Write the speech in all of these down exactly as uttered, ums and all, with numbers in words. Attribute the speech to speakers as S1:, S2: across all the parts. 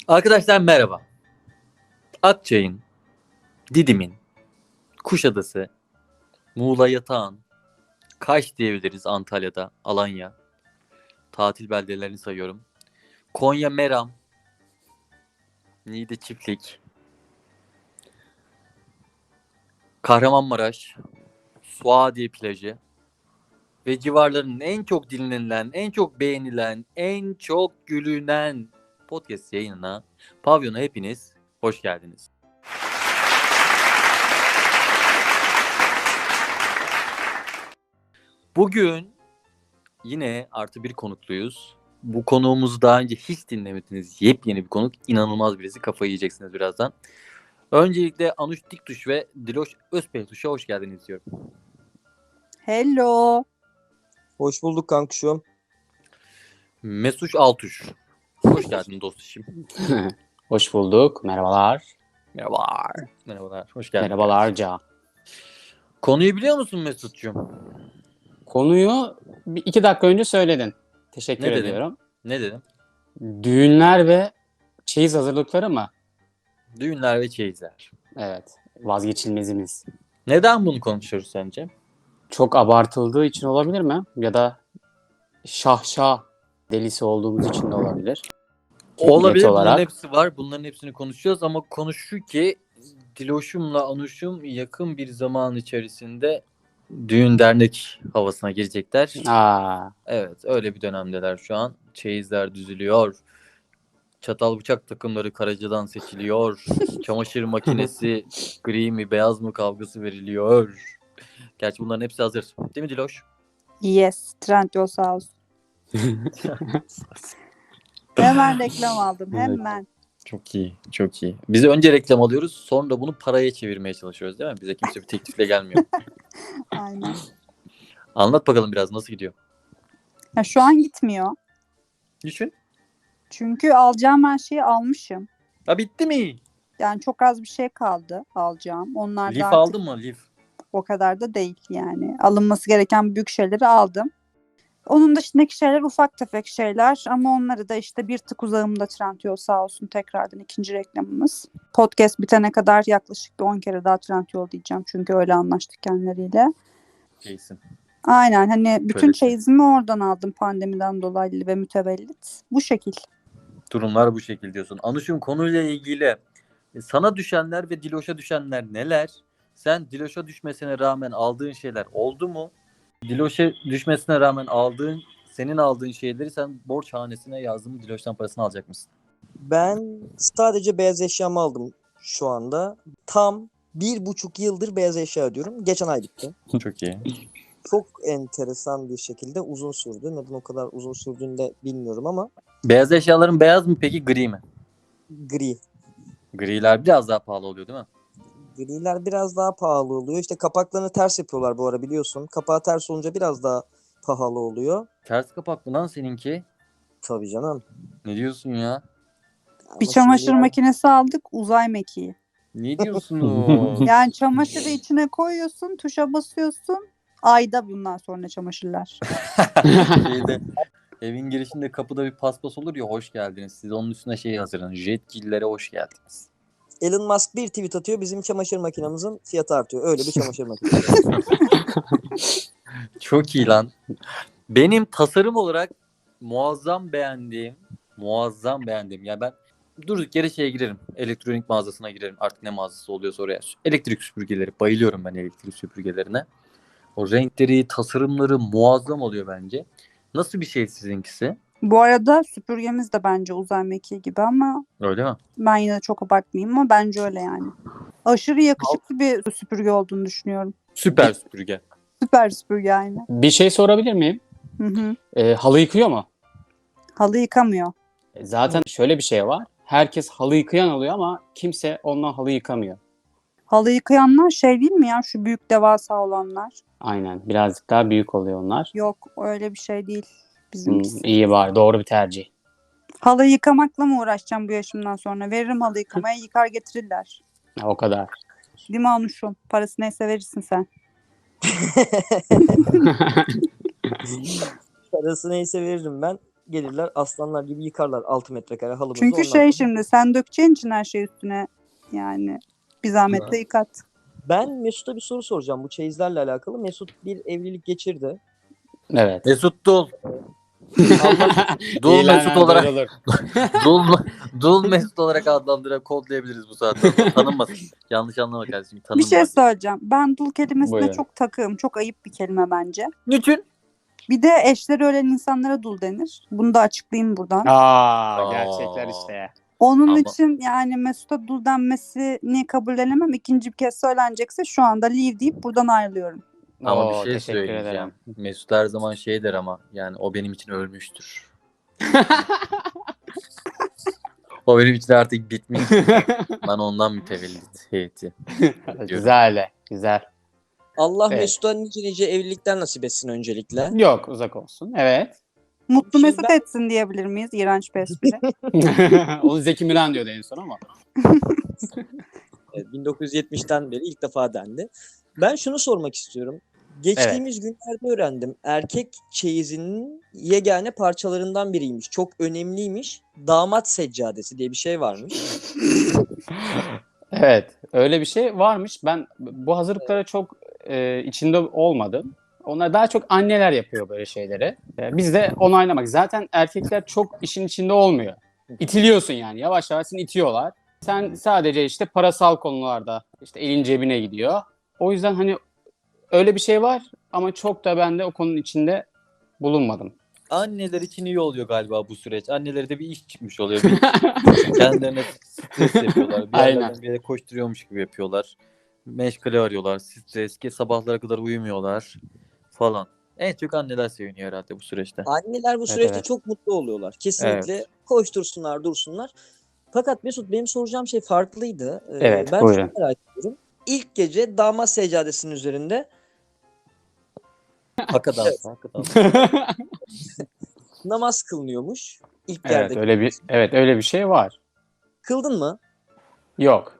S1: Arkadaşlar merhaba. Akçay'ın, Didim'in, Kuşadası, Muğla Yatağan, Kaş diyebiliriz Antalya'da, Alanya. Tatil beldelerini sayıyorum. Konya Meram, Niğde Çiftlik, Kahramanmaraş, Suadiye plajı ve civarlarının en çok dinlenilen, en çok beğenilen, en çok gülünen podcast yayınına, Pavyon'a hepiniz hoş geldiniz. Bugün yine artı bir konukluyuz. Bu konuğumuzu daha önce hiç dinlemediniz. Yepyeni bir konuk. İnanılmaz birisi. Kafayı yiyeceksiniz birazdan. Öncelikle Anuş Diktuş ve Diloş Özpehtuş'a hoş geldiniz diyorum.
S2: Hello.
S3: Hoş bulduk kankuşum.
S1: Mesuş Altuş. Hoş geldin dostum.
S4: Hoş bulduk. Merhabalar.
S1: Merhabalar. Merhabalar. Hoş geldin.
S4: Merhabalarca.
S1: Konuyu biliyor musun Mesut'cum?
S4: Konuyu bir iki dakika önce söyledin. Teşekkür
S1: Ne dedin?
S4: ediyorum.
S1: Ne dedim?
S4: Düğünler ve çeyiz hazırlıkları mı?
S1: Düğünler ve çeyizler.
S4: Evet. Vazgeçilmezimiz.
S1: Neden bunu konuşuyoruz sence?
S4: Çok abartıldığı için olabilir mi? Ya da şahşah delisi olduğumuz için de olabilir.
S1: Olabilir.
S4: Net
S1: Bunların
S4: olarak.
S1: hepsi var. Bunların hepsini konuşacağız ama konu şu ki Diloş'umla Anuş'um yakın bir zaman içerisinde düğün dernek havasına girecekler.
S4: Aa,
S1: Evet, öyle bir dönemdeler şu an. Çeyizler düzülüyor. Çatal bıçak takımları Karaca'dan seçiliyor. Çamaşır makinesi gri mi beyaz mı kavgası veriliyor. Gerçi bunların hepsi hazır. Değil mi Diloş?
S2: Yes. Trendyol sağ olsun. Hemen reklam aldım. Hemen.
S1: Çok iyi, çok iyi. Biz önce reklam alıyoruz, sonra bunu paraya çevirmeye çalışıyoruz değil mi? Bize kimse bir teklifle gelmiyor.
S2: Aynen.
S1: Anlat bakalım biraz nasıl gidiyor?
S2: Ya şu an gitmiyor.
S1: Düşün.
S2: Çünkü alacağım her şeyi almışım.
S1: Ha bitti mi?
S2: Yani çok az bir şey kaldı alacağım. Onlar da
S1: Lif
S2: artık
S1: aldın mı? Lif.
S2: o kadar da değil yani. Alınması gereken büyük şeyleri aldım. Onun dışındaki şeyler ufak tefek şeyler ama onları da işte bir tık uzağımda Trendyol sağ olsun tekrardan ikinci reklamımız. Podcast bitene kadar yaklaşık bir on kere daha Trendyol diyeceğim çünkü öyle anlaştık kendileriyle.
S1: Şeysin.
S2: Aynen hani bütün
S1: Böylesi.
S2: çeyizimi oradan aldım pandemiden dolayı ve mütevellit. Bu şekil.
S1: Durumlar bu şekilde diyorsun. Anuş'um konuyla ilgili e, sana düşenler ve Diloş'a düşenler neler? Sen Diloş'a düşmesine rağmen aldığın şeyler oldu mu? Diloş'a düşmesine rağmen aldığın, senin aldığın şeyleri sen borç hanesine yazdın mı? Diloş'tan parasını alacak mısın?
S3: Ben sadece beyaz eşyamı aldım şu anda. Tam bir buçuk yıldır beyaz eşya ödüyorum. Geçen ay bitti.
S1: Çok iyi.
S3: Çok enteresan bir şekilde uzun sürdü. Neden o kadar uzun sürdüğünü de bilmiyorum ama
S1: Beyaz eşyaların beyaz mı peki gri mi?
S3: gri.
S1: Griler biraz daha pahalı oluyor değil mi?
S3: Griler biraz daha pahalı oluyor. İşte kapaklarını ters yapıyorlar bu ara biliyorsun. Kapağı ters olunca biraz daha pahalı oluyor.
S1: Ters kapaklı lan seninki.
S3: Tabii canım.
S1: Ne diyorsun ya?
S3: Ama
S2: Bir
S3: şimdi
S2: çamaşır
S3: yani
S2: makinesi aldık uzay mekiği.
S1: Ne diyorsun?
S2: Yani çamaşırı içine koyuyorsun tuşa basıyorsun. Ayda bundan sonra çamaşırlar.
S1: Şeyde, evin girişinde kapıda bir paspas olur ya hoş geldiniz. Siz onun üstüne şey hazırlanın. Jetgillere hoş geldiniz.
S3: Elon Musk bir tweet atıyor. Bizim çamaşır makinamızın fiyatı artıyor. Öyle bir çamaşır makinesi.
S1: Çok iyi lan. Benim tasarım olarak muazzam beğendiğim, muazzam beğendiğim. Ya ben durduk yere şeye girerim. Elektronik mağazasına girerim. Artık ne mağazası oluyorsa oraya. Elektrik süpürgeleri. Bayılıyorum ben elektrik süpürgelerine. O renkleri, tasarımları muazzam oluyor bence. Nasıl bir şey sizinkisi?
S2: Bu arada süpürgemiz de bence uzay mekiği gibi ama
S1: Öyle mi?
S2: ben yine de çok abartmayayım ama bence öyle yani. Aşırı yakışıklı bir süpürge olduğunu düşünüyorum.
S1: Süper süpürge.
S2: Süper süpürge aynı.
S4: bir şey sorabilir miyim?
S2: Hı hı.
S4: Ee, halı yıkıyor mu?
S2: Halı yıkamıyor.
S4: E, Zaten şöyle bir şey var. Herkes halı yıkayan oluyor ama kimse ondan halı yıkamıyor.
S2: Halı yıkayanlar şey değil mi ya şu büyük devasa olanlar?
S4: Aynen. Birazcık daha büyük oluyor onlar.
S2: Yok öyle bir şey değil
S4: Hmm,
S2: bizimkisi.
S4: iyi var. Doğru bir tercih.
S2: Halı yıkamakla mı uğraşacağım bu yaşımdan sonra? Veririm halı yıkamaya yıkar getirirler.
S4: Ha, o kadar.
S2: Değil mi Anuş'um? Parası neyse verirsin sen.
S3: Parası neyse veririm ben. gelirler aslanlar gibi yıkarlar altı metrekare halımızı.
S2: Çünkü
S3: ondan
S2: şey
S3: sonra-
S2: şimdi sen dökeceğin için her şey üstüne yani bir zahmet de yıkat.
S3: Ben Mesut'a bir soru soracağım bu çeyizlerle alakalı. Mesut bir evlilik geçirdi.
S4: Evet.
S1: Mesut Dul.
S3: Allah
S1: Dul
S4: İlan
S1: Mesut olarak
S4: duyurulur.
S1: Dul, Dul Mesut olarak adlandırarak kodlayabiliriz bu saatten sonra. Tanınmasın. Yanlış anlama kardeşim.
S2: Bir
S1: Tanınma.
S2: şey söyleyeceğim. Ben dul kelimesine
S4: Buyurun.
S2: çok takığım. Çok ayıp bir kelime bence.
S1: Niçin?
S2: Bir de eşleri ölen insanlara dul denir. Bunu da açıklayayım buradan.
S4: Aa, gerçekler işte.
S2: Onun
S1: Ama-
S2: için yani Mesut'a dul denmesini kabullenemem. İkinci bir kez söylenecekse şu anda leave deyip buradan ayrılıyorum.
S1: Ama
S4: Oo,
S1: bir şey
S4: teşekkür
S1: söyleyeceğim.
S4: ederim.
S1: Mesut her zaman şey der ama yani o benim için ölmüştür. O benim için artık bitmiş. Ben ondan mütevellit heyeti.
S4: Güzel, güzel.
S3: Allah
S4: Evet.
S3: Mesut'a nice nice evlilikler nasip etsin öncelikle.
S4: Yok, uzak olsun. Evet.
S2: Mutlu
S3: Şimdi
S2: Mesut
S3: ben-
S2: etsin diyebilir miyiz? İğrenç bir espri.
S4: Onu Zeki Müren diyordu en son ama.
S3: Evet, bin dokuz yüz yetmişten beri ilk defa dendi. Ben şunu sormak istiyorum. Geçtiğimiz günlerde öğrendim. Erkek çeyizinin yegane parçalarından biriymiş. Çok önemliymiş. Damat seccadesi diye bir şey varmış.
S4: Evet, öyle bir şey varmış. Ben bu hazırlıklara çok e, içinde olmadım. Onlar daha çok anneler yapıyor böyle şeyleri. E, biz de onaylamak. Zaten erkekler çok işin içinde olmuyor. İtiliyorsun yani. Yavaş yavaş seni itiyorlar. Sen sadece işte parasal konularda işte elin cebine gidiyor. O yüzden hani öyle bir şey var ama çok da ben de o konunun içinde bulunmadım.
S1: Anneler için iyi oluyor galiba bu süreç. Annelere de bir iş çıkmış oluyor. Bir kendilerine stres yapıyorlar. Bir yerlerden
S4: Aynen.
S1: bir yere koşturuyormuş gibi yapıyorlar. Meşgale arıyorlar. Stres ki sabahlara kadar uyumuyorlar falan. En çok anneler seviniyor herhalde bu süreçte.
S3: Anneler bu
S4: Evet,
S3: süreçte
S4: evet.
S3: çok mutlu oluyorlar. Kesinlikle
S1: Evet.
S3: koştursunlar, dursunlar. Fakat Mesut benim soracağım şey farklıydı. Ee,
S4: Evet,
S3: ben
S4: buyurun.
S3: şunu merak ediyorum. İlk gece damat seccadesinin üzerinde
S1: Haka dansı, haka dansı.
S3: namaz kılınıyormuş. İlk
S4: Evet,
S3: yerde.
S4: öyle bir evet öyle bir şey var.
S3: Kıldın mı?
S4: Yok.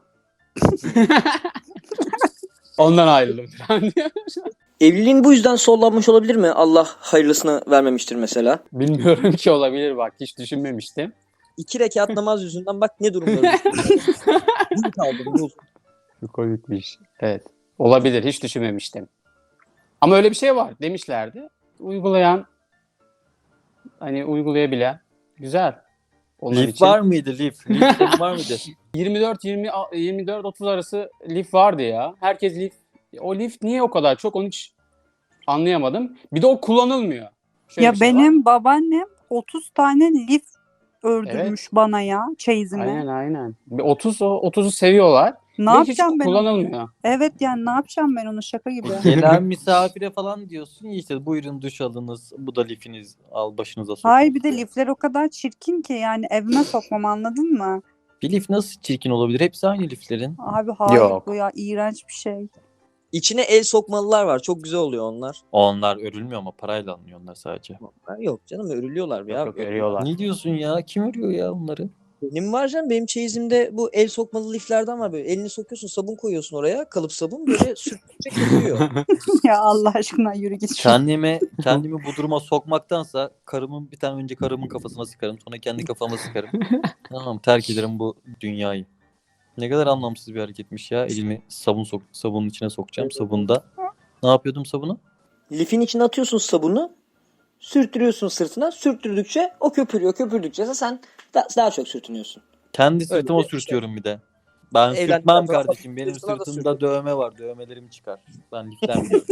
S4: Ondan ayrıldım.
S3: Evliliğin bu yüzden sollanmış olabilir mi? Allah hayırlısını vermemiştir mesela.
S4: Bilmiyorum ki, olabilir, bak hiç düşünmemiştim.
S3: İki rekat namaz yüzünden bak ne durumda düştüm. Dul kaldım, dul.
S4: Çok komikmiş. Evet. Olabilir, hiç düşünmemiştim. Ama öyle bir şey var demişlerdi. Uygulayan, hani uygulayabilen güzel. Onlar
S1: Lif
S4: için
S1: var mıydı lif? Lif senin var mıydı?
S4: yirmi dört yirmi yirmi dört otuz arası lif vardı ya. Herkes lif. O lif niye o kadar çok, onu hiç anlayamadım. Bir de o kullanılmıyor. Şöyle
S2: Ya
S4: bir şey var.
S2: benim babaannem otuz tane lif ördürmüş
S4: Evet.
S2: bana ya çeyizime.
S4: Aynen aynen. Bir otuz o otuzu seviyorlar.
S2: Ne
S4: Ve hiç
S2: yapacağım ben onu?
S4: kullanılmıyor.
S2: Evet yani ne yapacağım ben onu, şaka gibi.
S1: Gelen misafire falan diyorsun ya işte buyurun duş alınız. Bu da lifiniz. Al başınıza sokun.
S2: Hayır, bir de lifler o kadar çirkin ki yani evime sokmam, anladın mı?
S1: Bir lif nasıl çirkin olabilir? Hepsi aynı liflerin.
S2: Abi hayır,
S4: Yok.
S2: bu ya iğrenç bir şey.
S3: İçine el sokmalılar var. Çok güzel oluyor onlar.
S1: Onlar örülmüyor ama parayla alınıyor onlar sadece.
S3: Ha, yok canım örülüyorlar ya.
S4: Yok yok, örüyorlar.
S1: Ne diyorsun ya? Kim örüyor ya onları?
S3: Benim var canım. Benim çeyizimde bu el sokmalı liflerden var böyle. Elini sokuyorsun, sabun koyuyorsun oraya. Kalıp sabun böyle sürtecek yapıyor.
S2: Ya Allah aşkına yürü git.
S1: Kendimi kendimi bu duruma sokmaktansa karımın bir tane önce karımın kafasına sıkarım, sonra kendi kafama sıkarım. Tamam, terk ederim bu dünyayı. Ne kadar anlamsız bir hareketmiş ya. Elimi sabun sok sabunun içine sokacağım. Sabunda. Ne yapıyordum sabunu?
S3: Lifin içine atıyorsun sabunu. Sürtürüyorsun sırtına. Sürttürdükçe o köpürüyor. Köpürdükçe sen da- daha çok sürtünüyorsun.
S1: Kendi sırtıma
S3: bir-
S1: sürtüyorum bir de. Ben
S3: Evlendikten
S1: sürtmem
S3: sonra
S1: kardeşim. Benim
S3: sırtına da
S1: sırtımda
S3: sürtüyorum.
S1: dövme var. Dövmelerim çıkar. Ben liften biliyorum.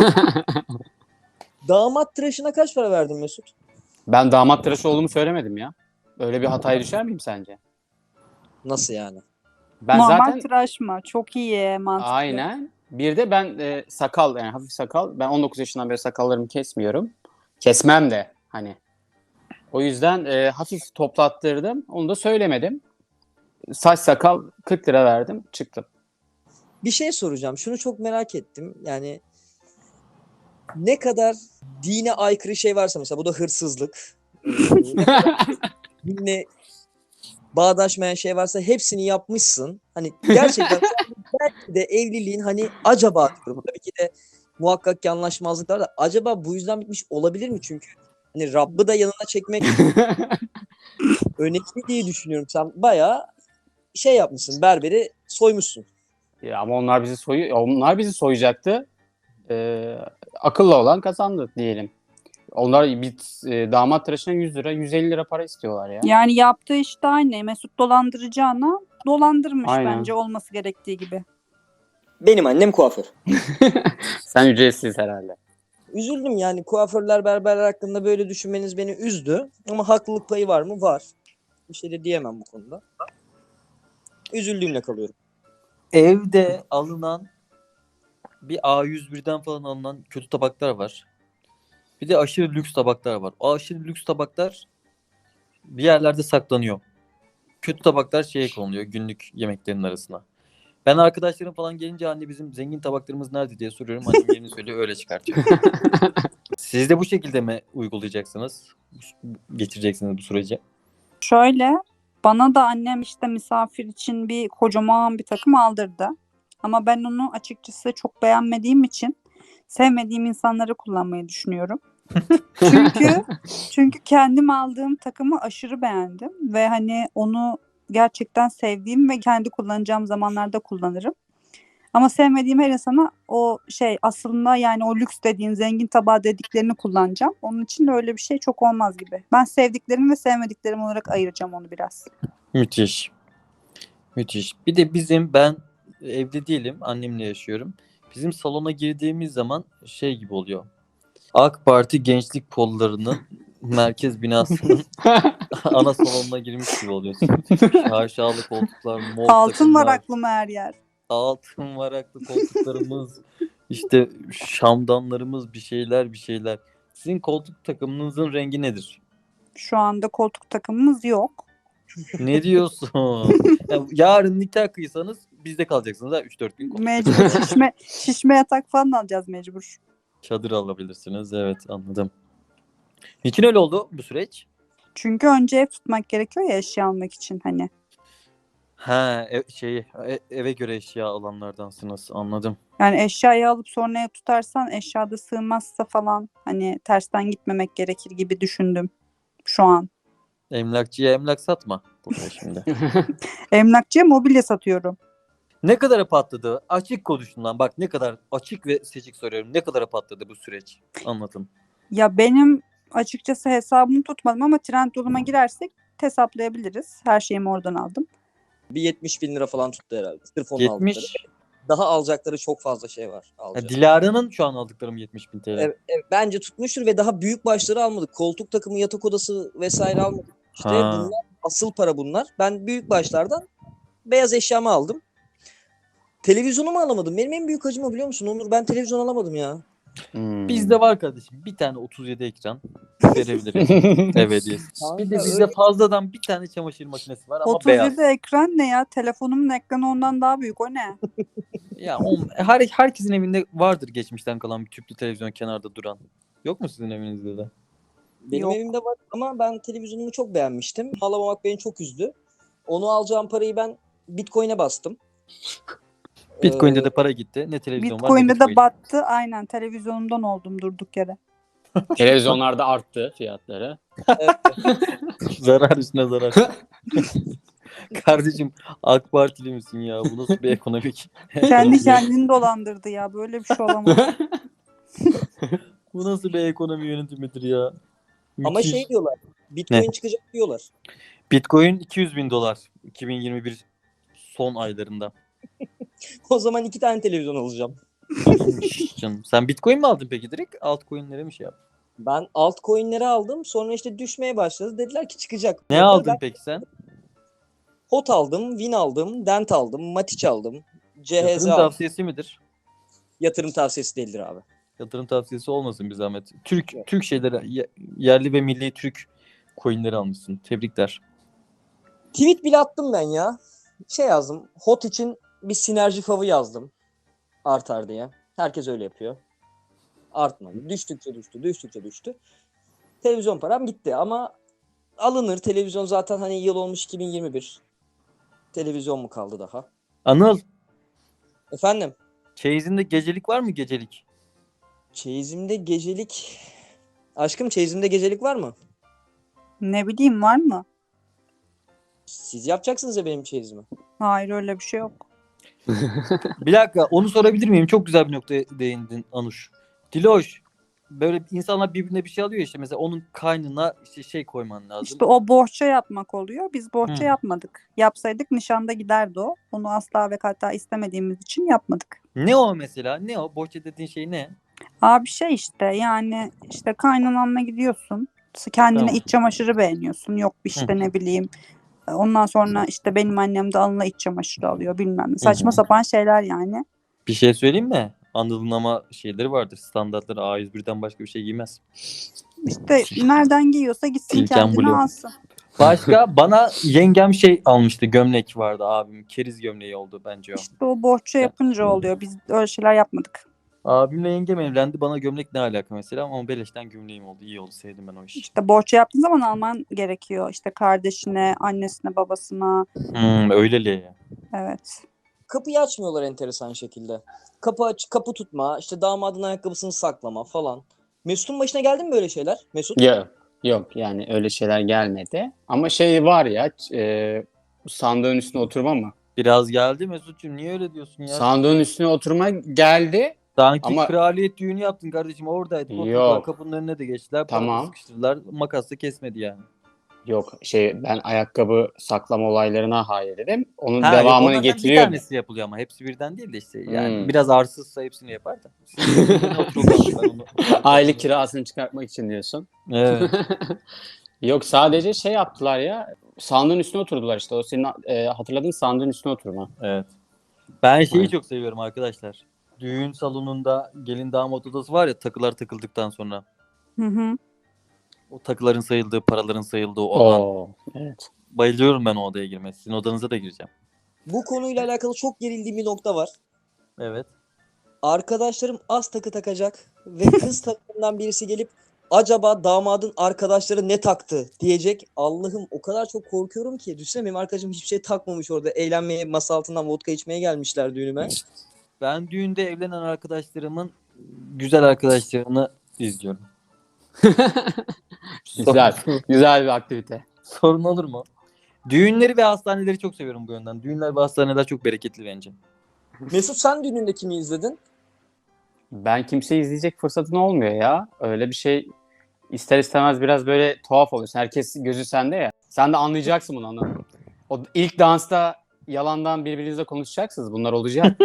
S3: Damat tıraşına kaç para verdin Mesut?
S4: Ben damat tıraşı olduğumu söylemedim ya. Öyle bir hataya düşer miyim sence?
S3: Nasıl yani?
S4: Ben
S2: Normal
S4: zaten
S2: tıraş mı? Çok iyi, mantıklı.
S4: aynen. Bir de ben e, sakal, yani hafif sakal. Ben on dokuz yaşından beri sakallarımı kesmiyorum. Kesmem de hani. O yüzden e, hafif toplattırdım. Onu da söylemedim. Saç sakal kırk lira verdim. Çıktım.
S3: Bir şey soracağım. Şunu çok merak ettim. Yani ne kadar dine aykırı şey varsa mesela bu da hırsızlık. Ee, ne kadar dinle bağdaşmayan şey varsa hepsini yapmışsın. Hani gerçekten belki de evliliğin hani acaba diyorum tabii ki de muhakkak ki anlaşmazlıklar da acaba bu yüzden bitmiş olabilir mi? Çünkü hani Rabb'ı da yanına çekmek önemli diye düşünüyorum. Sen bayağı şey yapmışsın. Berberi soymuşsun.
S4: Ya ama onlar bizi soyu onlar bizi soyacaktı. Ee, akıllı olan kazandı diyelim. Onlar bir e, damat tıraşına yüz lira, yüz elli lira para istiyorlar ya.
S2: Yani yaptığı iş de aynı. Mesut dolandıracağına dolandırmış
S4: Aynen.
S2: bence olması gerektiği gibi.
S3: Benim annem kuaför.
S4: Sen ücretsiz herhalde.
S3: Üzüldüm yani kuaförler berberler hakkında böyle düşünmeniz beni üzdü. Ama haklılık payı var mı? Var. Bir şey de diyemem bu konuda. Üzüldüğümle kalıyorum.
S1: Evde alınan bir A yüz birden falan alınan kötü tabaklar var. Bir de aşırı lüks tabaklar var. O aşırı lüks tabaklar bir yerlerde saklanıyor. Kötü tabaklar şeye konuluyor günlük yemeklerin arasına. Ben arkadaşlarım falan gelince anne bizim zengin tabaklarımız nerede diye soruyorum. Annem yerini söylüyor öyle çıkartıyor. Siz de bu şekilde mi uygulayacaksınız? Geçireceksiniz bu süreci?
S2: Şöyle bana da annem işte misafir için bir kocaman bir takım aldırdı. Ama ben onu açıkçası çok beğenmediğim için sevmediğim insanları kullanmayı düşünüyorum. Çünkü çünkü kendim aldığım takımı aşırı beğendim ve hani onu gerçekten sevdiğim ve kendi kullanacağım zamanlarda kullanırım. Ama sevmediğim her insana o şey aslında yani o lüks dediğin zengin tabağı dediklerini kullanacağım. Onun için de öyle bir şey çok olmaz gibi. Ben sevdiklerim ve sevmediklerim olarak ayıracağım onu biraz.
S1: Müthiş. Müthiş. Bir de bizim ben evde değilim. Annemle yaşıyorum. Bizim salona girdiğimiz zaman şey gibi oluyor. AK Parti Gençlik Kolları'nın merkez binasının ana salonuna girmiş gibi oluyorsun. Şaşalı koltuklar, mor
S2: Altın
S1: takımlar,
S2: var aklıma her yer.
S1: altın varaklı koltuklarımız, işte şamdanlarımız, bir şeyler bir şeyler. Sizin koltuk takımınızın rengi nedir?
S2: Şu anda koltuk takımımız yok.
S1: Ne diyorsun? Ya, yarın nikah kıysanız bizde kalacaksınız ha üç dört gün. koltuk
S2: Mecbur
S1: takımı.
S2: şişme, şişme yatak falan alacağız mecbur.
S1: Çadır alabilirsiniz. Evet anladım. Niçin öyle oldu bu süreç?
S2: Çünkü önce ev tutmak gerekiyor ya eşya almak için hani.
S1: Ha e- şey e- eve göre eşya alanlardansınız anladım.
S2: Yani eşyayı alıp sonra ev tutarsan eşyada sığmazsa falan hani tersten gitmemek gerekir gibi düşündüm şu an.
S1: Emlakçıya emlak satma burada şimdi.
S2: Emlakçıya mobilya satıyorum.
S1: Ne kadara patladı? Açık konuşun lan. Bak ne kadar açık ve seçik soruyorum. Ne kadara patladı bu süreç? Anlatın.
S2: Ya benim açıkçası hesabımı tutmadım ama Trendyol'uma girersek hesaplayabiliriz. Her şeyimi oradan aldım.
S3: Bir yetmiş bin lira falan tuttu herhalde. Sırf onun aldıkları.
S1: yetmiş.
S3: Daha alacakları çok fazla şey var.
S1: Ya,
S3: Alacak.
S1: Dilara'nın şu an aldıklarım yetmiş bin T L.
S3: Evet, evet, bence tutmuştur ve daha büyük başları almadık. Koltuk takımı, yatak odası vesaire almadık. İşte
S1: Ha.
S3: bunlar asıl para bunlar. Ben büyük başlardan beyaz eşyamı aldım. Televizyonumu alamadım. Benim en büyük acım o biliyor musun Onur? Ben televizyon alamadım ya.
S4: Hmm.
S1: Bizde var kardeşim. Bir tane otuz yedi ekran verebilirim. Ev hediyesi.
S3: Kanka,
S1: Bir de bizde
S3: öyle-
S1: fazladan bir tane çamaşır makinesi var ama
S2: otuz yedi
S1: beyaz.
S2: ekran ne ya? Telefonumun ekranı ondan daha büyük. O ne?
S1: Ya o, her, herkesin evinde vardır geçmişten kalan bir tüplü televizyon kenarda duran. Yok mu sizin evinizde de?
S3: Benim
S2: Yok.
S3: evimde var ama ben televizyonumu çok beğenmiştim. Alamamak beni çok üzdü. Onu alacağım parayı ben Bitcoin'e bastım.
S1: Bitcoin'de
S3: Ee,
S1: de para gitti. Ne televizyon var ne
S2: Bitcoin'de
S1: Bitcoin.
S2: de battı. Aynen televizyonumdan oldum durduk yere.
S4: Televizyonlarda arttı fiyatları.
S3: evet.
S1: Zarar üstüne zarar. Kardeşim AK Partili misin ya? Bu nasıl bir ekonomik?
S2: Kendi kendini dolandırdı ya. Böyle bir şey olamaz.
S1: Bu nasıl bir ekonomi yönetimidir ya?
S3: Ama
S1: Müthiş.
S3: şey diyorlar. Bitcoin çıkacak diyorlar.
S1: Bitcoin iki yüz bin dolar iki bin yirmi bir son aylarında.
S3: O zaman iki tane televizyon alacağım.
S1: Şş, Canım. Sen Bitcoin mi aldın peki direkt? Altcoin'lere mi şey yaptın?
S3: Ben altcoin'leri aldım. Sonra işte düşmeye başladı. Dediler ki çıkacak.
S1: Ne
S3: Sonra
S1: aldın
S3: ben
S1: peki sen?
S3: H O T aldım, Win aldım, Dent aldım, Matiç aldım, C H Z
S1: Yatırım
S3: aldım.
S1: tavsiyesi midir?
S3: Yatırım tavsiyesi değildir abi.
S1: Yatırım tavsiyesi olmasın bir zahmet. Türk Türk şeyleri ye- yerli ve milli Türk coin'leri almışsın. Tebrikler.
S3: Tweet bile attım ben ya. Şey yazdım. H O T için bir sinerji favı yazdım. Artar diye. Herkes öyle yapıyor. Artmadı. Düştükçe düştü, düştükçe düştü. Televizyon param gitti ama alınır. Televizyon zaten hani yıl olmuş iki bin yirmi bir. Televizyon mu kaldı daha?
S1: Anıl,
S3: Efendim?
S1: çeyizinde gecelik var mı gecelik?
S3: Çeyizimde gecelik Aşkım çeyizimde gecelik var mı?
S2: Ne bileyim, var mı?
S3: Siz yapacaksınız ya benim çeyizimi.
S2: Hayır, öyle bir şey yok.
S1: Bir dakika, onu sorabilir miyim? Çok güzel bir noktaya değindin Anuş. Diloş, böyle insanlar birbirine bir şey alıyor ya, işte mesela onun kaynına işte şey koyman lazım.
S2: İşte o bohça yapmak oluyor. Biz bohça
S1: Hı.
S2: yapmadık. Yapsaydık nişanda giderdi o. Onu asla ve hatta istemediğimiz için yapmadık.
S1: Ne o mesela? Ne o? Bohça dediğin şey ne?
S2: Abi şey işte, yani işte kaynananla gidiyorsun. Kendine
S1: Tamam.
S2: iç çamaşırı beğeniyorsun. Yok işte
S1: Hı.
S2: ne bileyim. Ondan sonra işte benim annem de alnına iç çamaşırı alıyor bilmem ne. Saçma
S1: Hı hı.
S2: sapan şeyler yani.
S1: Bir şey söyleyeyim mi? Anıl'ın ama şeyleri vardır. Standartları A yüz birden başka bir şey giymez.
S2: İşte nereden giyiyorsa gitsin
S1: Silken
S2: kendine
S1: Blue.
S2: alsın.
S1: Başka bana yengem şey almıştı. Gömlek vardı abim. Keriz gömleği oldu bence o.
S2: İşte o bohça yapınca oluyor. Biz öyle şeyler yapmadık.
S1: Abimle yengem evlendi. Bana gömlek ne alaka mesela, ama beleşten gömleğim oldu. İyi oldu. Sevdim ben o işi.
S2: İşte bohça yaptığın zaman alman gerekiyor. İşte kardeşine, annesine, babasına.
S1: Hmm, öyleli.
S2: Evet.
S3: Kapıyı açmıyorlar enteresan şekilde. Kapı aç, kapı tutma, işte damadın ayakkabısını saklama falan. Mesut'un başına geldi mi böyle şeyler? Mesut?
S4: Yok. Yok yani öyle şeyler gelmedi. Ama şey var ya e, sandığın üstüne oturma mı?
S1: Biraz geldi Mesut'cum. Niye öyle diyorsun ya?
S4: Sandığın üstüne oturma geldi.
S1: Sanki
S4: Ama-
S1: kraliyet düğünü yaptın kardeşim. Oradaydık. Oturdular.
S4: Yok.
S1: Kapının önüne de geçtiler. Tamam.
S4: Tamam.
S1: Sıkıştırdılar. Makasla kesmedi yani.
S4: Yok şey ben ayakkabı saklama olaylarına hayır dedim. Onun
S1: Ha, yok,
S4: devamını
S1: onlardan bir
S4: getiriyor.
S1: tanesi yapılıyor ama hepsi birden değil de işte. Yani
S4: Hmm.
S1: biraz arsızsa hepsini yapar da. Sizin önüne oturup aldım ben onu.
S4: Aylık kirasını çıkartmak için diyorsun.
S1: Evet.
S4: Yok sadece şey yaptılar ya. Sandığın üstüne oturdular işte. O senin e, hatırladığın sandığın üstüne oturma.
S1: Evet. Ben şeyi
S4: Evet.
S1: çok seviyorum arkadaşlar. Düğün salonunda gelin damat odası var ya, takılar takıldıktan sonra.
S2: Hı hı.
S1: O takıların sayıldığı, paraların sayıldığı o an.
S4: Oo, evet.
S1: Bayılıyorum ben o odaya girmeye. Sizin odanıza da gireceğim.
S3: Bu konuyla alakalı çok gerildiğim bir nokta var.
S1: Evet.
S3: Arkadaşlarım az takı takacak ve kız takımından birisi gelip acaba damadın arkadaşları ne taktı diyecek. Allah'ım o kadar çok korkuyorum ki. Düşünsene benim arkadaşım hiçbir şey takmamış orada. Eğlenmeye, masa altından vodka içmeye gelmişler düğünüme.
S1: Ben düğünde evlenen arkadaşlarımın güzel arkadaşlarını izliyorum.
S4: Güzel. Güzel bir aktivite.
S1: Sorun olur mu? Düğünleri ve hastaneleri çok seviyorum bu yönden. Düğünler ve hastaneler çok bereketli bence.
S3: Mesut sen düğününde kimi izledin?
S4: Ben kimseyi izleyecek fırsatın olmuyor ya. Öyle bir şey ister istemez biraz böyle tuhaf oluyorsun. Herkes gözü sende ya. Sen de anlayacaksın bunu anladın. O ilk dansta yalandan birbirinizle konuşacaksınız. Bunlar olacak.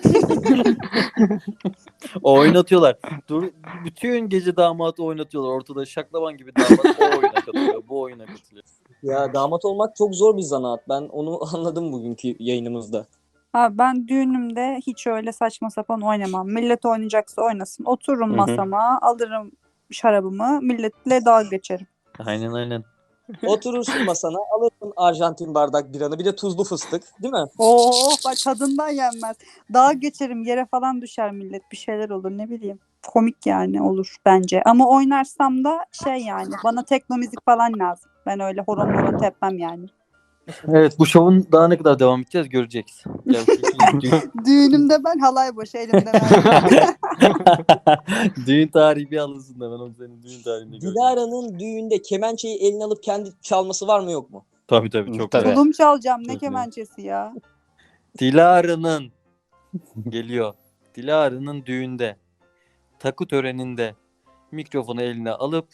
S1: O oynatıyorlar. Dur, bütün gece damatı oynatıyorlar. Ortada şaklaban gibi damat o oyuna katılıyor. Bu oyuna katılıyor.
S3: Ya damat olmak çok zor bir zanaat. Ben onu anladım bugünkü yayınımızda.
S2: Abi ben düğünümde hiç öyle saçma sapan oynamam. Millet oynayacaksa oynasın. Otururum
S4: Hı hı.
S2: masama, alırım şarabımı, milletle dalga geçerim.
S1: Aynen aynen.
S3: Oturursun masana, alırsın Arjantin bardak biranı, bir de tuzlu fıstık, değil mi?
S2: Oo bak, tadından yenmez. Dalga geçerim, yere falan düşer millet, bir şeyler olur, ne bileyim. Komik yani olur bence. Ama oynarsam da şey yani, bana tekno müzik falan lazım. Ben öyle horon horon tepmem yani.
S1: Evet, bu şovun daha ne kadar devam edeceğiz göreceğiz. Gerçekten düğün,
S2: Düğünümde ben halay başı elimde ben.
S1: düğün tarihi bir alınsın da ben onu senin düğün tarihinde göreceğim.
S3: Dilara'nın düğünde kemençeyi eline alıp kendi çalması var mı yok mu?
S1: Tabii tabii çok
S4: Tabii.
S1: güzel.
S2: Tulum çalacağım, ne
S1: Çok iyi.
S2: kemençesi ya.
S1: Dilara'nın geliyor. Dilara'nın düğünde, takı töreninde mikrofonu eline alıp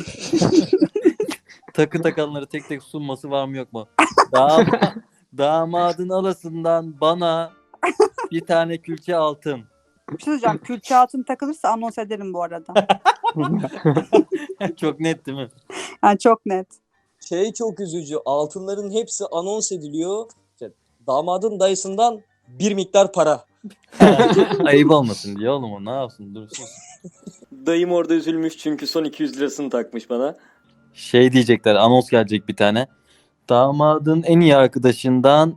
S1: takı takanları tek tek sunması var mı yok mu? Dama, damadın alasından bana bir tane külçe altın.
S2: Bir şey söyleyeceğim, külçe altın takılırsa anons ederim bu arada.
S1: Çok net değil mi?
S2: Yani çok net.
S3: Şey çok üzücü, altınların hepsi anons ediliyor. İşte damadın dayısından bir miktar para.
S1: Ayıp olmasın diye oğlum, o ne yapsın, dursun.
S5: Dayım orada üzülmüş çünkü son iki yüz lirasını takmış bana.
S1: Şey diyecekler, anons gelecek bir tane. Damadın en iyi arkadaşından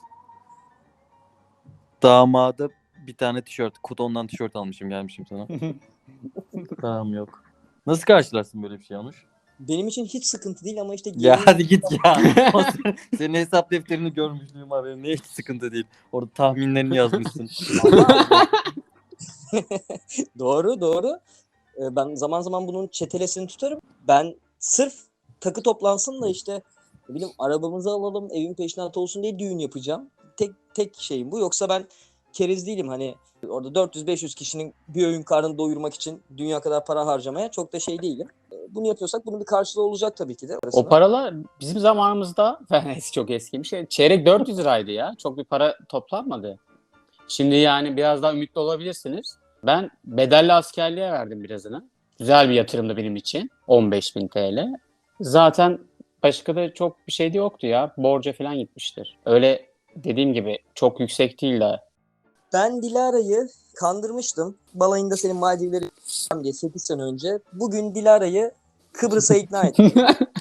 S1: damada bir tane tişört. Kutondan tişört almışım, gelmişim sana. Tamam, yok. Nasıl karşılarsın böyle bir şey Anuş?
S3: Benim için hiç sıkıntı değil ama işte
S1: Ya
S3: gelin-
S1: hadi git ya. O sen- Senin hesap defterini görmüşlüğüm var benim. Ne hiç sıkıntı değil. Orada tahminlerini yazmışsın.
S3: Doğru doğru. Ee, ben zaman zaman bunun çetelesini tutarım. Ben sırf takı toplansın da işte ne bileyim arabamızı alalım, evin peşinatı olsun diye düğün yapacağım. Tek tek şeyim bu. Yoksa ben keriz değilim. Hani orada dört yüz beş yüz kişinin bir öğün karnını doyurmak için dünya kadar para harcamaya çok da şey değilim. Ee, Bunu yapıyorsak bunun bir karşılığı olacak tabii ki de.
S4: O paralar bizim zamanımızda çok eski bir şey. Çeyrek dört yüz liraydı ya. Çok bir para toplanmadı. Şimdi yani biraz daha ümitli olabilirsiniz. Ben bedelli askerliğe verdim birazını. Güzel bir yatırımdı benim için. on beş bin T L. Zaten başka da çok bir şey de yoktu ya. Borca falan gitmiştir. Öyle dediğim gibi çok yüksek değil de.
S3: Ben Dilara'yı kandırmıştım. Balayında senin Maldivleri diye sekiz sene önce. Bugün Dilara'yı Kıbrıs'a ikna ettim.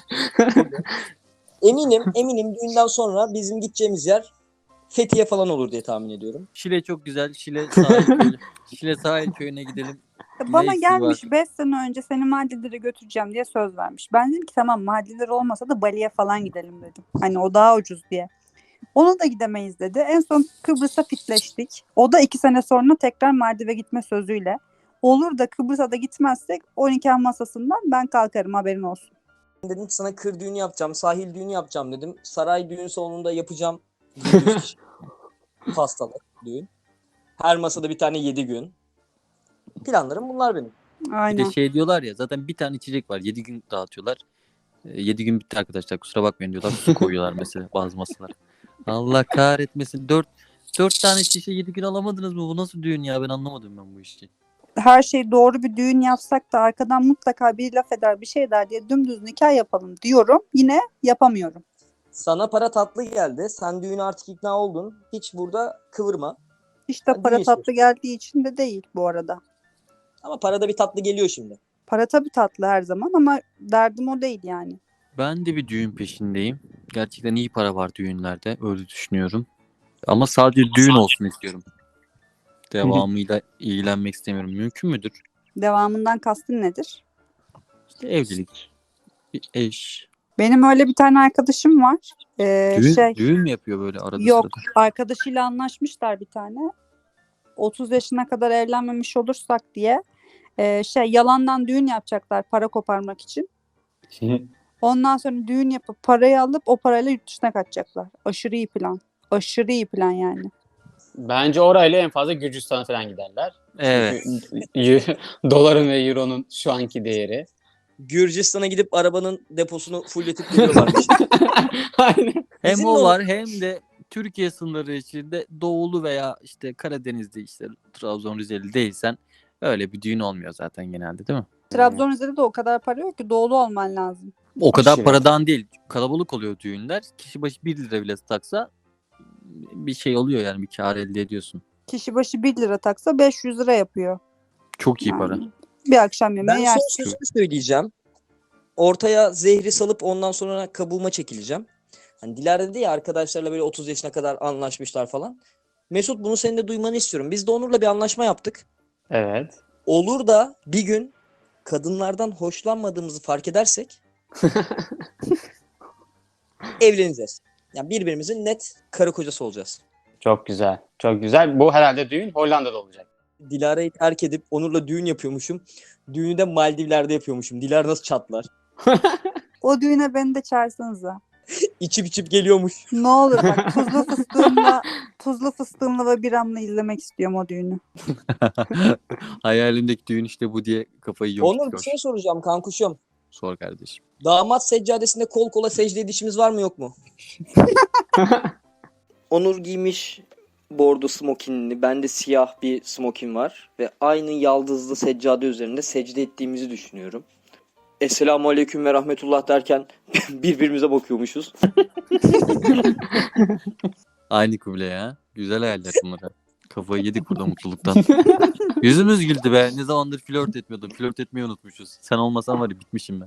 S3: Eminim, eminim düğünden sonra bizim gideceğimiz yer Fethiye falan olur diye tahmin ediyorum.
S1: Şile çok güzel. Şile sahil köyü. Şile sahil köyüne gidelim.
S2: Ya Bana
S1: Ne eksiği
S2: gelmiş
S1: var?
S2: beş sene önce seni Maldivlere götüreceğim diye söz vermiş. Ben dedim ki tamam Maldivler olmasa da Bali'ye falan gidelim dedim. Hani o daha ucuz diye. Onu da gidemeyiz dedi. En son Kıbrıs'a fitleştik. O da iki sene sonra tekrar Maldiv'e gitme sözüyle. Olur da Kıbrıs'a da gitmezsek on nikah masasından ben kalkarım haberin olsun.
S3: Dedim ki sana kır düğünü yapacağım, sahil düğünü yapacağım dedim. Saray düğün salonunda yapacağım. yedi yüz kişi. Pastalı düğün. Her masada bir tane yedi gün. Planlarım bunlar benim.
S1: Bir
S2: Aynen.
S1: de şey diyorlar ya zaten bir tane içecek var. yedi gün dağıtıyorlar. yedi gün bitti arkadaşlar kusura bakmayın diyorlar. Su koyuyorlar mesela bazı masalara. Allah kahretmesin. dört dört tane şişe yedi gün alamadınız mı? Bu nasıl düğün ya? Ben anlamadım ben bu işi.
S2: Her şey doğru bir düğün yapsak da arkadan mutlaka bir laf eder bir şey der diye dümdüz nikah yapalım diyorum. Yine yapamıyorum.
S3: Sana para tatlı geldi. Sen düğüne artık ikna oldun. Hiç burada kıvırma.
S2: İşte
S3: Hadi
S2: para
S3: iyi
S2: tatlı geldiği için de değil bu arada.
S3: Ama parada bir tatlı geliyor şimdi.
S2: Para tabii tatlı her zaman ama derdim o değil yani.
S1: Ben de bir düğün peşindeyim. Gerçekten iyi para var düğünlerde. Öyle düşünüyorum. Ama sadece düğün olsun istiyorum. Devamıyla ilgilenmek istemiyorum. Mümkün müdür?
S2: Devamından kastın nedir?
S1: İşte evlilik, bir eş.
S2: Benim öyle bir tane arkadaşım var. Ee,
S1: Düğün,
S2: şey
S1: düğün mü yapıyor böyle arada
S2: yok
S1: sırada?
S2: arkadaşıyla anlaşmışlar bir tane. otuz yaşına kadar evlenmemiş olursak diye ee, şey yalandan düğün yapacaklar para koparmak için. Ondan sonra düğün yapıp parayı alıp o parayla yurt dışına kaçacaklar. Aşırı iyi plan. Aşırı iyi plan yani.
S4: Bence orayla en fazla Gürcistan'a falan giderler.
S1: Evet.
S4: Çünkü doların ve euronun şu anki değeri.
S3: Gürcistan'a gidip arabanın deposunu fulletip geliyorlarmış.
S4: Aynen.
S1: Hem
S3: Bizim de
S1: o
S3: o-
S1: var hem de Türkiye sınırı içinde doğulu veya işte Karadeniz'de işte Trabzon Rizeli değilsen öyle bir düğün olmuyor zaten genelde değil mi?
S2: Trabzon üzerinde de o kadar para yok ki doğulu olman lazım.
S1: O kadar
S4: Aşırı.
S1: paradan değil. Kalabalık oluyor düğünler. Kişi başı bir lira bile taksa bir şey oluyor yani bir kar elde ediyorsun.
S2: Kişi başı bir lira taksa beş yüz lira yapıyor.
S1: Çok iyi
S2: Yani
S1: para.
S2: bir akşam yemeği
S3: Ben
S2: yersin.
S3: son sözümü söyleyeceğim. Ortaya zehri salıp ondan sonra kabuğuma çekileceğim. Hani Dilara dedi ya arkadaşlarla böyle otuz yaşına kadar anlaşmışlar falan. Mesut bunu senin de duymanı istiyorum. Biz de Onur'la bir anlaşma yaptık.
S4: Evet.
S3: Olur da bir gün kadınlardan hoşlanmadığımızı fark edersek evleneceğiz. Yani birbirimizin net karı kocası olacağız.
S4: Çok güzel. Çok güzel. Bu herhalde düğün Hollanda'da olacak.
S3: Dilara'yı terk edip Onur'la düğün yapıyormuşum. Düğünü de Maldivler'de yapıyormuşum. Dilara nasıl çatlar?
S2: O düğüne beni de çağırsanıza.
S3: İçip içip geliyormuş.
S2: Ne olur bak tuzlu fıstığımla tuzlu fıstığımla ve biramla izlemek istiyorum o düğünü.
S1: Hayalimdeki düğün işte bu diye kafayı yiyormuş.
S3: Onur bir şey soracağım kankuşum.
S1: Sor kardeşim.
S3: Damat seccadesinde kol kola secde edişimiz var mı yok mu? Onur giymiş bordo smokinini. Bende siyah bir smokin var. Ve aynı yaldızlı seccade üzerinde secde ettiğimizi düşünüyorum. Esselamu aleyküm ve rahmetullah derken birbirimize bakıyormuşuz.
S1: Aynı kıble ya. Güzel hayaller bunlar. Kafayı yedik burada mutluluktan. Yüzümüz güldü be. Ne zamandır flört etmiyordum. Flört etmeyi unutmuşuz. Sen olmasan var ya bitmişim ben.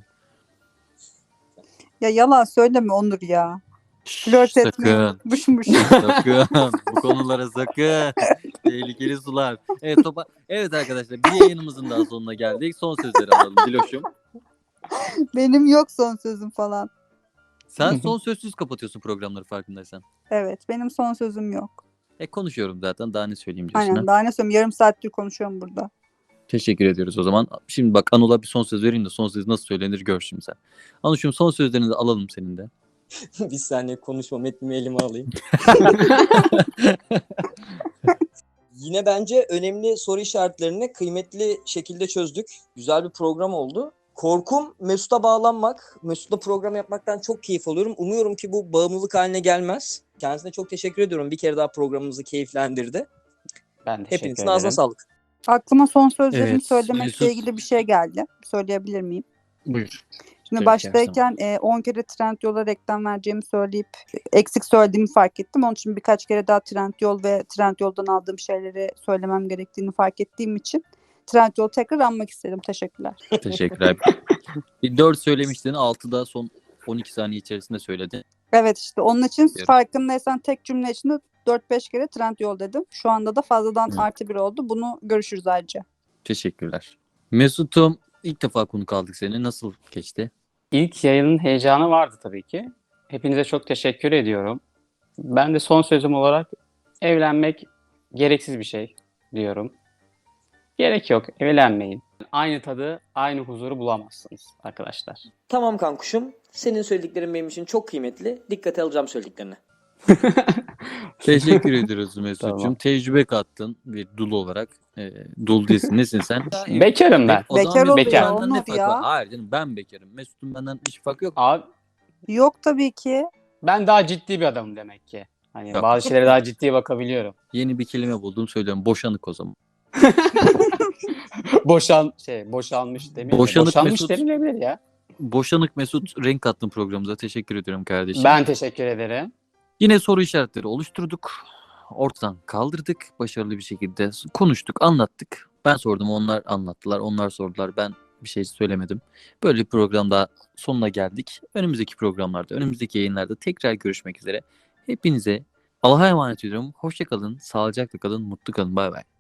S2: Ya yalan söyleme Onur ya.
S1: Şşş,
S2: Flört etmeyi
S1: sakın.
S2: unutmuşmuş.
S1: Sakın. Bu konulara sakın. Tehlikeli sular. Evet topa. Evet arkadaşlar bir yayınımızın daha sonuna geldik. Son sözleri alalım Diloş'um.
S2: Benim yok son sözüm falan.
S1: Sen son sözsüz kapatıyorsun programları farkındaysan.
S2: Evet benim son sözüm yok.
S1: E konuşuyorum zaten daha ne söyleyeyim diyorsun
S2: Aynen
S1: ha.
S2: daha ne söyleyeyim yarım saattir konuşuyorum burada.
S1: Teşekkür ediyoruz o zaman. Şimdi bak Anıl'a bir son söz vereyim de son söz nasıl söylenir gör şimdi sen. Anıl'cığım son sözlerini de alalım senin de.
S3: Bir saniye konuşma metnimi elime alayım. Yine bence önemli soru işaretlerini kıymetli şekilde çözdük. Güzel bir program oldu. Korkum Mesut'a bağlanmak. Mesut'la program yapmaktan çok keyif alıyorum. Umuyorum ki bu bağımlılık haline gelmez. Kendisine çok teşekkür ediyorum. Bir kere daha programımızı keyiflendirdi.
S4: Ben teşekkür
S3: Hepinizin
S4: ederim.
S3: ağzına sağlık.
S2: Aklıma son sözlerimi
S1: Evet,
S2: söylemekle
S1: Mesut.
S2: ilgili bir şey geldi. Söyleyebilir miyim?
S1: Buyur.
S2: Şimdi
S1: Tabii ki,
S2: baştayken e, on kere Trendyol'a reklam vereceğimi söyleyip eksik söylediğimi fark ettim. Onun için birkaç kere daha Trendyol ve Trendyol'dan aldığım şeyleri söylemem gerektiğini fark ettiğim için Trendyol'u tekrar anmak istedim. Teşekkürler.
S1: Teşekkürler. Bir dört söylemiştin. altı da son on iki saniye içerisinde söyledi.
S2: Evet işte onun için
S1: Diyorum.
S2: farkındaysan tek cümle içinde dört beş kere Trendyol dedim. Şu anda da fazladan
S1: Hı.
S2: artı bir oldu. Bunu görüşürüz ayrıca.
S1: Teşekkürler. Mesut'um ilk defa konuk aldık seni. Nasıl geçti?
S4: İlk yayının heyecanı vardı tabii ki. Hepinize çok teşekkür ediyorum. Ben de son sözüm olarak evlenmek gereksiz bir şey diyorum. Gerek yok, evlenmeyin. Aynı tadı, aynı huzuru bulamazsınız arkadaşlar.
S5: Tamam kankuşum. Senin söylediklerin benim için çok kıymetli. Dikkate alacağım söylediklerini.
S1: Teşekkür ediyoruz Mesut'cum.
S4: Tamam.
S1: Tecrübe kattın bir dul olarak. E, dul değilsin. Nesin sen?
S4: Bekarım ben.
S1: O zaman
S2: Bekar
S1: Mesut'un
S4: oluyor,
S1: benden ne
S2: Onur
S1: farkı
S2: ya.
S1: var? Hayır canım ben bekarım. Mesut'un benden hiç farkı yok.
S4: Abi
S2: Yok tabii ki.
S4: ben daha ciddi bir adamım demek ki. Hani
S1: Yok.
S4: bazı şeylere daha ciddi bakabiliyorum.
S1: Yeni bir kelime buldum söylüyorum. Boşanık o zaman.
S4: Boşan şey boşanmış demeyelim. de.
S1: Boşanık
S4: Boşanmış
S1: Mesut-
S4: denilebilir ya.
S1: Boşanık Mesut renk kattın programımıza. Teşekkür ediyorum kardeşim.
S4: Ben teşekkür ederim.
S1: Yine soru işaretleri oluşturduk. Ortadan kaldırdık. Başarılı bir şekilde konuştuk, anlattık. Ben sordum, onlar anlattılar. Onlar sordular. Ben bir şey söylemedim. Böyle bir programda sonuna geldik. Önümüzdeki programlarda, önümüzdeki yayınlarda tekrar görüşmek üzere. Hepinize Allah'a emanet ediyorum. Hoşça kalın, sağlıcakla kalın, mutlu kalın. Bay bay.